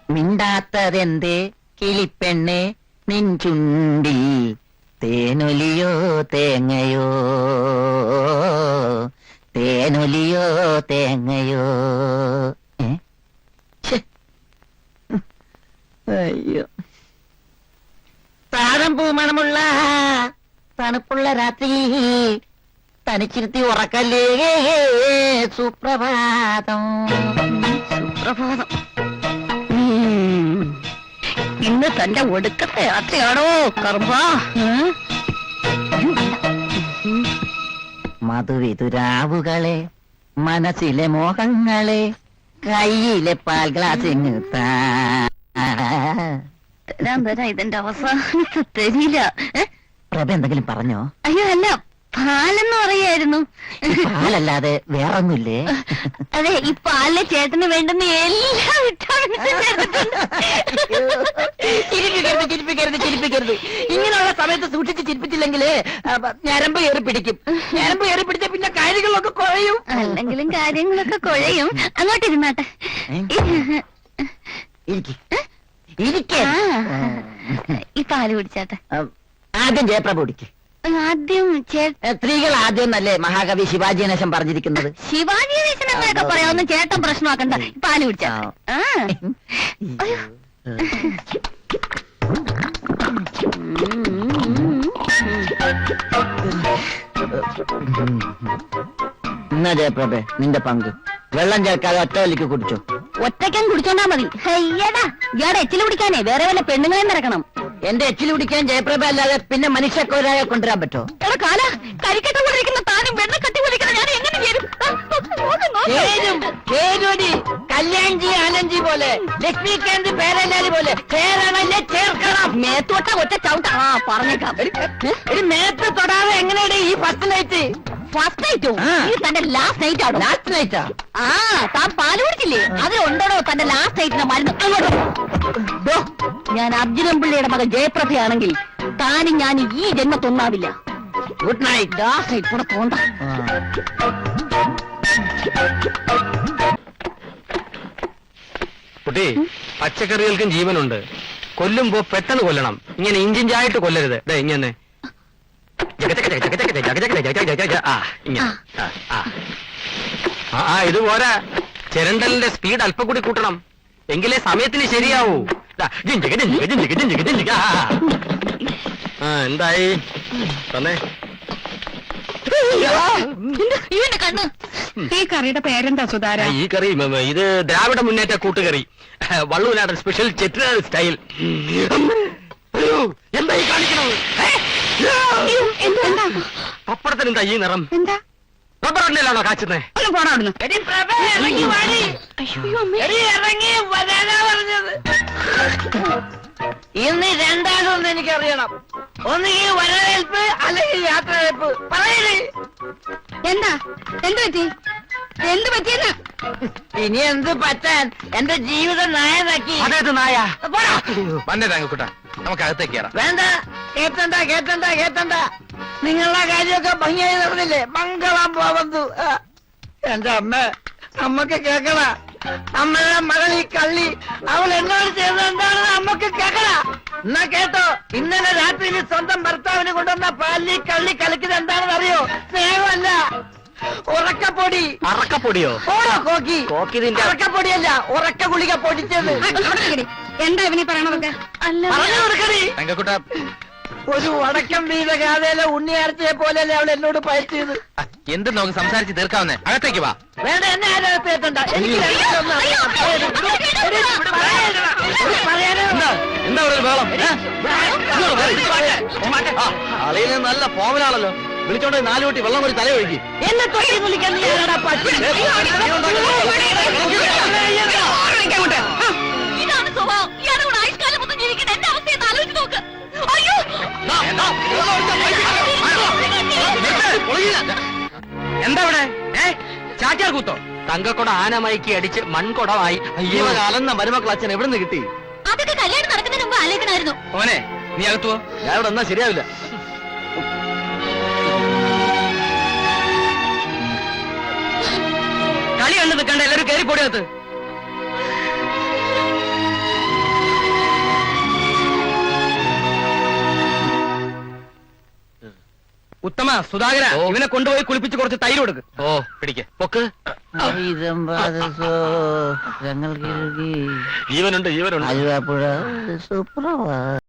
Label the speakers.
Speaker 1: മിണ്ടാത്തതെന്തേ കിളിപ്പെണ്ണെ നിൻചുണ്ടിൽ തേനൊലിയോ തേങ്ങയോ തേനൊലിയോ തേങ്ങയോ. അയ്യോ, താഴമ്പൂ മണമുള്ള തണുപ്പുള്ള രാത്രി തനിച്ചിരുത്തി ഉറക്കല്ലേ സുപ്രഭാതം. സുപ്രഭാതം. ഇന്ന് തന്റെ ഒടുക്കത്തെ യാത്രയാണോ കർമ്മ? മധുവിതുരാവുകളെ മനസ്സിലെ മോഹങ്ങളെ കയ്യിലെ പാൽ ഗ്ലാസ് തരാൻ തരാ ഇതിന്റെ അവസാനത്തെ തരില്ല. പ്രഭ എന്തെങ്കിലും പറഞ്ഞോ? അയ്യോ അല്ല, പാലെന്ന് പറയായിരുന്നു. പാലല്ലാതെ വേറൊന്നുമില്ലേ? അതെ, ഈ പാലിലെ ചേട്ടന് വേണ്ടുന്ന എല്ലാം ചിരിപ്പിക്കരുത്. ഇങ്ങനെയുള്ള സമയത്ത് സൂക്ഷിച്ച് ചിരിപ്പിച്ചില്ലെങ്കിൽ ഞരമ്പ് കയറി പിടിക്കും. ഞരമ്പ് കയറി പിടിച്ച പിന്നെ കാര്യങ്ങളൊക്കെ കുഴയും. അല്ലെങ്കിലും കാര്യങ്ങളൊക്കെ കുഴയും. അങ്ങോട്ടിരുന്നാട്ടെ. ഈ പാല് കുടിച്ചാട്ടെ. ആദ്യം ജയപ്രഭ കുടിക്ക്. ആദ്യം സ്ത്രീകൾ ആദ്യം നല്ലേ മഹാകവി ശിവാജി ഗണേശൻ പറഞ്ഞിരിക്കുന്നത്. ശിവാജി ഗണേശൻ എന്നൊക്കെ പറയാവുന്ന ചേട്ടൻ പ്രശ്നമാക്കണ്ട. പാല് കുടിച്ചാ. എന്നാ ജയപ്രഭേ, നിന്റെ പങ്ക്. വെള്ളം ചേർക്കാതെ ഒറ്റ വലിക്ക് കുടിച്ചോ. ഒറ്റയ്ക്കും കുടിച്ചോണ്ടാ മതി. അയ്യടാ, ഇയാടെ എച്ചില് കുടിക്കാനേ വേറെ വല്ല പെണ്ണുങ്ങളെ നിറക്കണം. എന്റെ എച്ചില് കുടിക്കാൻ ജയപ്രഭ അല്ലാതെ പിന്നെ മനുഷ്യക്കൊരാളെ കൊണ്ടുവരാൻ പറ്റോ? എടാ കാല, കരിക്കട്ട കൊണ്ടിരിക്കുന്ന താനും വെണ്ണ കട്ടി കൊണ്ടിരിക്കുന്ന ഞാൻ എങ്ങനെ ചേരും? കല്യാൺജി ആനന്ദ്ജി പോലെ, ലക്ഷ്മികാന്ത് പേരല്ലാരി പോലെ ചേരണല്ലേ ചേർക്കണം. മേത്തോട്ട ഒറ്റ ചവിട്ട. പറഞ്ഞേക്കാം. ഒരു മേത്ത് തൊടാതെ എങ്ങനെയാണ് ഈ ഫസ്റ്റ് നൈറ്റ്? ഫസ്റ്റ് നൈറ്റോ? തന്റെ ലാസ്റ്റ് നൈറ്റ് ആണോ? ലാസ്റ്റ് നൈറ്റാ? ആ, താൻ പാല് കുടിച്ചില്ലേ? അതിലുണ്ടോ തന്റെ ലാസ്റ്റ് നൈറ്റിന്റെ മരുന്ന്? അങ്ങോട്ടോ. ഞാൻ അർജുനൻ പിള്ളയുടെ മകൻ ജയപ്രഭയാണെങ്കിൽ താനും ഞാൻ ഈ ജന്മത്തൊന്നാവില്ല. Good night. ലാസ്റ്റ് നൈറ്റ് കൂടെ പോണ്ട.
Speaker 2: കുട്ടി, പച്ചക്കറികൾക്കും ജീവനുണ്ട്. കൊല്ലുമ്പോ പെട്ടെന്ന് കൊല്ലണം. ഇങ്ങനെ ഇഞ്ചിഞ്ചായിട്ട് കൊല്ലരുത്. ഇങ്ങനെ ഇത് പോരാ. ചിരണ്ടലിന്റെ സ്പീഡ് അല്പം കൂടി കൂട്ടണം. എങ്കിലേ സമയത്തിന് ശരിയാവൂ. എന്തായി തന്നെ?
Speaker 3: ഈ കറിയുടെ പേരെന്താ സുധാര?
Speaker 2: ഈ കറി ഇത് ദ്രാവിഡ മുന്നേറ്റ കൂട്ടുകറി. വള്ളുവനാടൻ സ്പെഷ്യൽ ചെറ്റ സ്റ്റൈൽ. എന്തായി കാണിക്കണത്? പപ്പടത്തിന് എന്താ ഈ നിറം?
Speaker 3: എന്താ
Speaker 2: റബ്ബറിലാണോ കാച്ചുന്നേ?
Speaker 1: ഇന്ന് രണ്ടാമതൊന്നും എനിക്കറിയണം. ഒന്നുകിൽ വരവേൽപ്പ് അല്ലെങ്കിൽ യാത്രവേൽപ്പ്. പറയണേ
Speaker 3: എന്താ? എന്ത് പറ്റി? എന്ത് പറ്റിയെന്ന്?
Speaker 1: ഇനി എന്ത് പറ്റാൻ? എന്റെ ജീവിതം നായനാക്കി.
Speaker 2: അതേത് നായ? വന്നേതാങ്കൂട്ട, നമുക്ക് അകത്തേക്ക് കയറാം.
Speaker 1: വേണ്ട, കേട്ടണ്ട. നിങ്ങളുടെ കാര്യമൊക്കെ ഭംഗിയായി നടന്നില്ലേ? മംഗളം പോവന്തു. എന്റെ അമ്മക്ക് കേക്കണ. അമ്മയുടെ മകൾ ഈ കള്ളി അവൾ എന്നോട് ചെയ്തത് എന്താണെന്ന് അമ്മക്ക് കേക്കണ. എന്നാ കേട്ടോ, ഇന്നലെ രാത്രിയിൽ സ്വന്തം ഭർത്താവിന് കൊണ്ടുവന്ന പാലി കള്ളി കളിക്കുന്നത് എന്താണെന്ന് അറിയോ? സ്നേഹമല്ല, ഉറക്കപ്പൊടി.
Speaker 2: അറക്കപ്പൊടിയോ?
Speaker 1: ഓടോ കോക്കി.
Speaker 2: കോക്കിതിന്റെ
Speaker 1: ഉറക്കപ്പൊടിയല്ല, ഉറക്ക ഗുളിക പൊടിച്ചത്.
Speaker 3: എന്താ ഇവനീ പറയണതൊക്കെ?
Speaker 1: പറഞ്ഞു കൊടുക്കണേ.
Speaker 2: തങ്കക്കുട്ട,
Speaker 1: ഒരു വടക്കം വീത ഗാഥയിലെ ഉണ്ണിയാർച്ചയെ പോലെയല്ലേ അവൾ എന്നോട് പയറ്റിയത്.
Speaker 2: എന്ത് നമുക്ക് സംസാരിച്ച് തീർക്കാവുന്നേ? അകത്തേക്ക് വാ.
Speaker 1: വേണ്ട, എന്നെ ആരകത്ത് എത്തണ്ട. എനിക്ക്
Speaker 2: എന്താ ബഹളം? അളിയെ നല്ല ഫോമിലാണല്ലോ. വിളിച്ചോണ്ട് 4 കുട്ടി വെള്ളം ഒരു തല ഒഴുകി.
Speaker 1: എന്നെ തൊട്ടി വിളിക്കാൻ നീ ആരാടാ പട്ടി? ഇതാണ് സ്വഭാവം. ഇയാളുടെ കൂടെ ആയുഷ്കാലം ഒന്നും ജീവിക്കുന്ന എന്റെ അവസ്ഥയെ ആലോചിച്ച് നോക്ക്. അയ്യോ,
Speaker 2: എന്താ ഇവിടെ? ചാറ്റാർ കൂത്തോ? തങ്കക്കൊട ആനമയക്കി അടിച്ച് മൺകൊടമായി. അയ്യോ, അലന്ന മരുമക്കൾ അച്ഛൻ എവിടെ നിന്ന് കിട്ടി?
Speaker 3: അതൊക്കെ കല്യാണം നടക്കുന്നതിന് മുമ്പ് ആലോചിക്കണമായിരുന്നു.
Speaker 2: ഓനെ, നീ അകത്തുവോ? ഞാൻ ഇവിടെ എന്നാ ശരിയാവില്ല. കളി കണ്ടു നിൽക്കണ്ട, എല്ലാവരും കയറി പൊടിയകത്ത്. ഉത്തമ സുധാകര ഇവനെ കൊണ്ടുപോയി കുളിപ്പിച്ച് കുറച്ച് തൈര് കൊടുക്ക്. ഓ പിടിക്ക് പൊക്ക്. ജീവനുണ്ട് ജീവനുണ്ട്.
Speaker 1: സൂപ്പറാ